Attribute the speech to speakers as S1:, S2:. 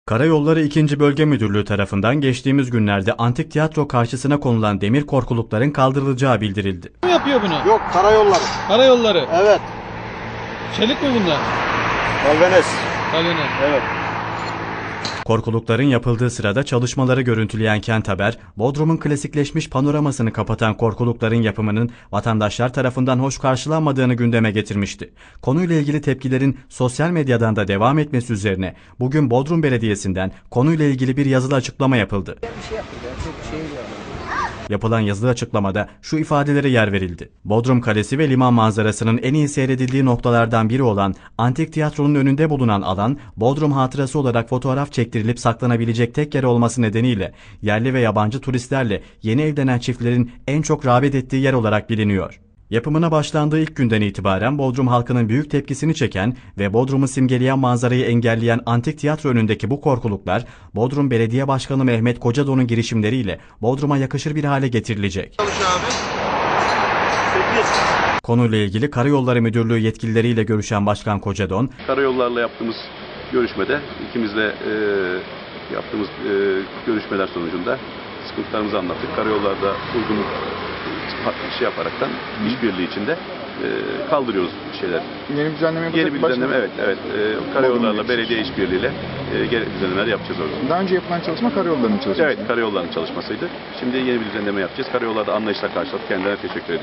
S1: Karayolları 2. Bölge Müdürlüğü tarafından geçtiğimiz günlerde antik tiyatro karşısına konulan demir korkulukların kaldırılacağı bildirildi.
S2: Kim yapıyor bunu?
S3: Yok, karayolları.
S2: Karayolları.
S3: Evet.
S2: Çelik mi bunlar?
S3: Galvanes.
S2: Galvanes.
S3: Evet.
S1: Korkulukların yapıldığı sırada çalışmaları görüntüleyen Kent Haber, Bodrum'un klasikleşmiş panoramasını kapatan korkulukların yapımının vatandaşlar tarafından hoş karşılanmadığını gündeme getirmişti. Konuyla ilgili tepkilerin sosyal medyadan da devam etmesi üzerine bugün Bodrum Belediyesi'nden konuyla ilgili bir yazılı açıklama yapıldı. Yapılan yazılı açıklamada şu ifadelere yer verildi. Bodrum Kalesi ve liman manzarasının en iyi seyredildiği noktalardan biri olan Antik Tiyatro'nun önünde bulunan alan, Bodrum hatırası olarak fotoğraf çektirilip saklanabilecek tek yer olması nedeniyle yerli ve yabancı turistlerle yeni evlenen çiftlerin en çok rağbet ettiği yer olarak biliniyor. Yapımına başlandığı ilk günden itibaren Bodrum halkının büyük tepkisini çeken ve Bodrum'u simgeleyen manzarayı engelleyen Antik Tiyatro önündeki bu korkuluklar, Bodrum Belediye Başkanı Mehmet Kocadon'un girişimleriyle Bodrum'a yakışır bir hale getirilecek. Konuyla ilgili Karayolları Müdürlüğü yetkilileriyle görüşen Başkan Kocadon,
S4: Karayollarla yaptığımız görüşmede, ikimizle yaptığımız görüşmeler sonucunda sıkıntılarımızı anlattık. Karayollarda uygunluk yaparaktan işbirliği içinde kaldırıyoruz şeyler.
S5: Yeni düzenleme yapacak.
S4: Yeni bir düzenleme, evet. Karayollarla belediye işbirliğiyle düzenlemeler yapacağız orada.
S5: Daha önce yapılan çalışma karayollarının çalışması.
S4: Evet, karayollarının çalışmasıydı. Şimdi yeni bir düzenleme yapacağız. Karayollarda anlayışla karşıladık. Kendilerine teşekkür ediyorum.